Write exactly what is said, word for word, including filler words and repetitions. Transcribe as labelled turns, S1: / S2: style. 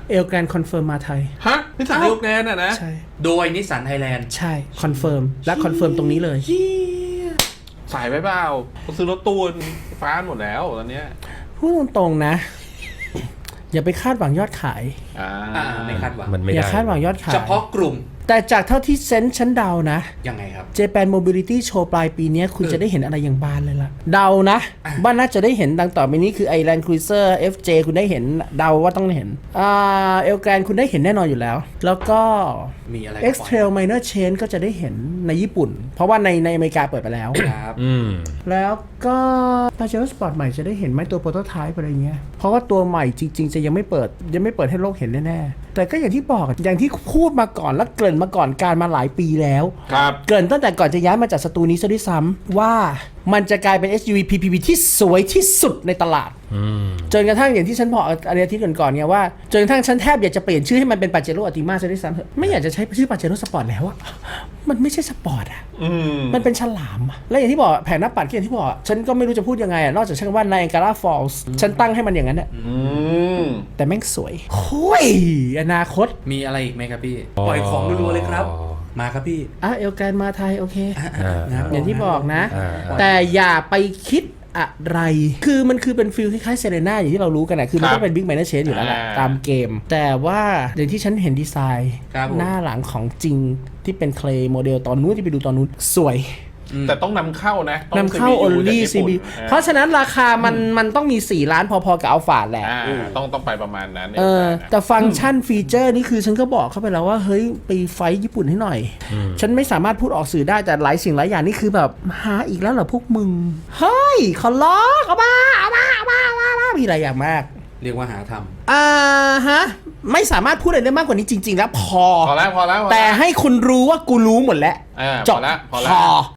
S1: เอลแกรนคอนเฟิร์มมาไทย
S2: ฮะนิสสันเอลแกรนอ่ะนะ
S1: ใช่
S3: โดยนิสสันไทยแลนด์
S1: ใช่คอนเฟิร์มและคอนเฟิร์มตรงนี้เลย
S2: สายไปเปล่าเขาซื้อรถตู้ฟ้าหมดแล้วตอนเนี้ย
S1: พูดตรงๆนะอย่าไปคาดหวังยอดขาย
S2: อ่า
S3: ไม่คาดหวัง
S1: มันไม่ได้อย่าคาดหวังยอดขาย
S3: เฉพาะกลุ่ม
S1: แต่จากเท่าที่เซนส์ฉันเดานะ
S3: ยังไงครับ
S1: Japan Mobility Show ปลายปีนี้คุณจะได้เห็นอะไรอย่างบานเลยล่ะเดานะว่าน่าจะได้เห็นดังต่อไปนี้คือ Land Cruiser เอฟ เจ คุณได้เห็นเดาว่าต้องเห็นอ่าเอลแกรนคุณได้เห็นแน่นอนอยู่แล้วแล้วก็
S3: มีอะไร
S1: X-Trail Minor Change ก็จะได้เห็นในญี่ปุ่นเพราะว่าในในอเมริกาเปิดไปแล้ว
S3: ครับ
S1: แล้วก็ Pajero Sport ใหม่จะได้เห็นไหมตัว Prototype อะไรเงี้ยเพราะว่าตัวใหม่จริงๆจะยังไม่เปิดยังไม่เปิดให้โลกเห็นแน่ๆแต่ก็อย่างที่บอกอย่างที่พูดมาก่อนและเกริ่นมาก่อนการมาหลายปีแล้วเกริ่นตั้งแต่ก่อนจะย้ายมาจากสตูนี้ซะด้วยซ้ำว่ามันจะกลายเป็น เอส ยู วี พี พี วี ที่สวยที่สุดในตลาดจนกระทั่งอย่างที่ฉันบอกอาทิตย์ก่อนๆเนี่ยว่าจนกระทั่งฉันแทบอยากจะเปลี่ยนชื่อให้มันเป็น Pajero Optima ซะด้วยซ้ำไม่อยากจะใช้ชื่อ Pajero Sport แล้วอะมันไม่ใช่สปอร์ตอะมันเป็นฉลามอะและอย่างที่บอกแผงหน้าปัดที่อย่างที่บอกฉันก็ไม่รู้จะพูดยังไงอะนอกจากฉันว่า Niagara Falls ฉันตั้งให้มันอย่างนั้นอะแต่แม่งสวยโอ้ยอนาคต
S3: มีอะไรอีกไหมครับพี่ปล่อยของรัวๆเลยครับมาครับพี่
S1: อ่ะเอลแกรนมาไทยโอเคอย่างที่บอกนะแต่อย่าไปคิดอะไรคือมันคือเป็นฟิลคล้ายๆเซเรน่าอย่างที่เรารู้กันนะคือมันต้องเป็นบิ๊กไมเนอร์เชนอยู่แล้วแหละตามเกมแต่ว่าอย่างที่ฉันเห็นดีไซน์หน้าหลังของจริงที่เป็นเคลย์โมเดลตอนนู้นที่ไปดูตอนนู้นสวย
S2: แต่ต้องนำเข้านะ
S1: นำเข้า only ซี บี เพราะฉะนั้นราคามันมันต้องมีสี่ล้านพอๆกับอัลฟาแหละ
S2: ต้องต้องไปประมาณนั้น
S1: เออแต่ฟังก์ชันฟีเจอร์นี่คือฉันก็บอกเข้าไปแล้วว่าเฮ้ยไปไฟญี่ปุ่นให้หน่อยฉันไม่สามารถพูดออกสื่อได้แต่หลายสิ่งหลายอย่างนี่คือแบบหาอีกแล้วเหรอพวกมึงเฮ้ยขอร้องเอามาเอามาเอามาเอามามีหลายอย่างมาก
S3: เรียกว่าหาทำ
S1: อ่าฮะไม่สามารถพูดอะไรได้มากกว่านี้จริงๆแล้วพอ
S2: พอแล้วพอแล้ว
S1: แต่ให้คุณรู้ว่ากูรู้หมดแล้ว
S2: จบแล้วพอแล้ว